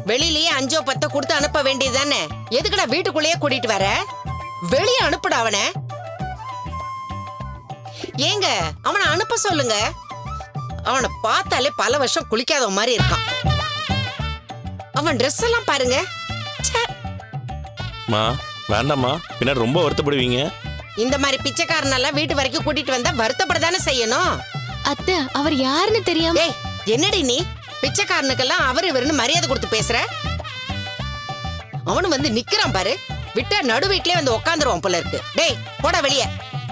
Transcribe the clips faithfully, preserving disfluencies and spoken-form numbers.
வெளியிலயே அஞ்சோ பத்தோ கொடுத்து அனுப்ப வேண்டியதுதானே? எதுக்குடா வீட்டுக்குள்ளேயே கூட்டிட்டு வர? வெளியே அனுப்புடா அவனை. ஏங்க அவனை அனுப்ப சொல்லுங்க. அவனை பார்த்தாலே பல வருஷம் குளிக்காத மாதிரி இருக்கான். அவன் ட்ரெஸ் எல்லாம் பாருங்க. மா வேண்டாம்மா, பின்னாடி ரொம்ப வருத்தப்படுவீங்க. இந்த மாதிரி பிச்சைக்காரனெல்லாம் வீட்டு வரைக்கும் கூட்டிட்டு வந்தா வருத்தப்படதானே செய்யணும். அத்தை, அவர் யாருன்னு தெரியாம. ஏய், என்னடி நீ பிச்சைக்காரனுக்கெல்லாம் அவர் இவருன்னு மரியாதை கொடுத்து பேசுற? அவனு வந்து நிக்கிறான் பாரு, விட்டா நடு வீட்லயே வந்து உக்காந்துருவான் போல இருக்கு. டேய் போடா வெளியே.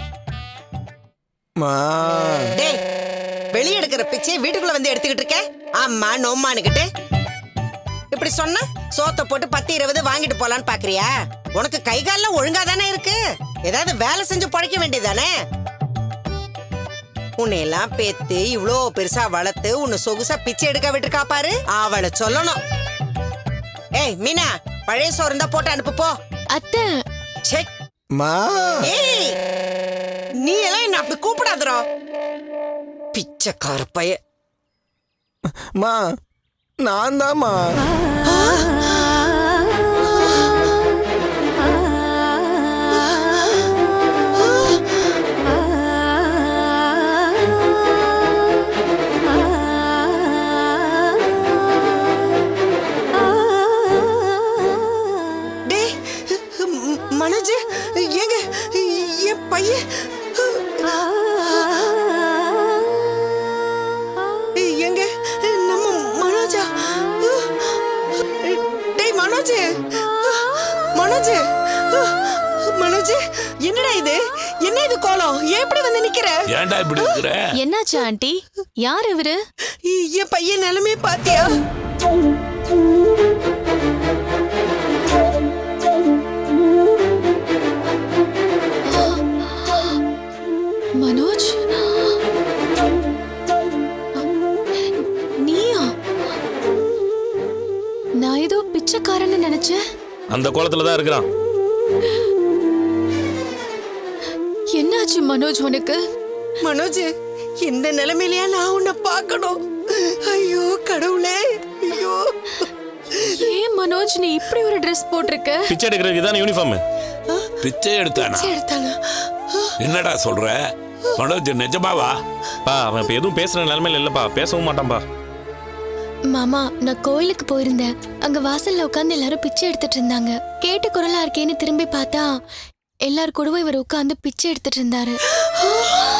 டேய், வெளியே எடுக்கிற பிச்சை வீட்டுக்குள்ள வந்து எடுத்துக்கிட்டு இருக்க. ஆமா நோம்மானுக்கிட்டு இப்படி சொன்னா சோத்த போட்டு பத்து இருபது வாங்கிட்டு போலான்னு பாக்குறியா? உனக்கு கை கால்லாம் ஒழுங்கா தானே இருக்கு. ஏதாவது வேலை செஞ்சு பழைக்க வேண்டியதானே? உன்னையெல்லாம் பேத்து இவ்வளோ பெருசா வளர்த்து உன்னை சொகுசா பிச்சை எடுக்க விட்டுருக்கா பாரு, அவளை சொல்லணும். ஏய் மீனா, பழைய சோறு இருந்தா போட்டு அனுப்பு போ. அத்தை. ஏய், நீ எல்லாம் என்ன அப்படி கூப்பிடாதரோ, பிச்சைக்கார பைய. மா நான் தான்மா. மனோஜ், ஏங்க என் பையன் எங்க? நம்ம மனோஜா? டேய் மனோஜ், மனோஜ், மனோஜ், என்னடா இது? என்ன இது கோலம்? எப்படி வந்து நிக்கிற? ஏன்டா இப்படி நிக்கிற? என்னாச்சு ஆண்டி? யார் இவரு? என் பையன் நிலைமை பாத்தியா? மனோஜ், நீயா? நான் ஏதோ பிச்சைக்காரன்னு நினைச்சேன். அந்த கோலத்துல தான் இருக்கிறான். என்னாச்சு மனோஜ் உனக்கு? மனோஜ், இந்த நிலைமையிலயா நான் உன்னை பார்க்கணும்? ஐயோ கடவுளே, ஐயோ. ஏன் மனோஜ் நீ இப்படி ஒரு ட்ரெஸ் போட்டிருக்க? பிச்சை எடுக்கிறதுக்கு இதான யூனிஃபார்ம். பிச்சை எடுத்தானா? என்னடா சொல்ற மனோஜ்? நிஜமாவா? பா அவன் இப்ப எதுவும் பேசுற நிலைமையில இல்லப்பா, பேசவும் மாட்டான்பா. மாமா, நான் கோயிலுக்கு போயிருந்தேன். அங்க வாசல்ல உட்கார்ந்து எல்லாரும் பிச்சை எடுத்துட்டு இருந்தாங்க. கேட்டு குரலா இருக்கேன்னு திரும்பி பார்த்தா எல்லாரும் கூடவும் இவர் உட்கார்ந்து பிச்சை எடுத்துட்டு இருந்தாரு.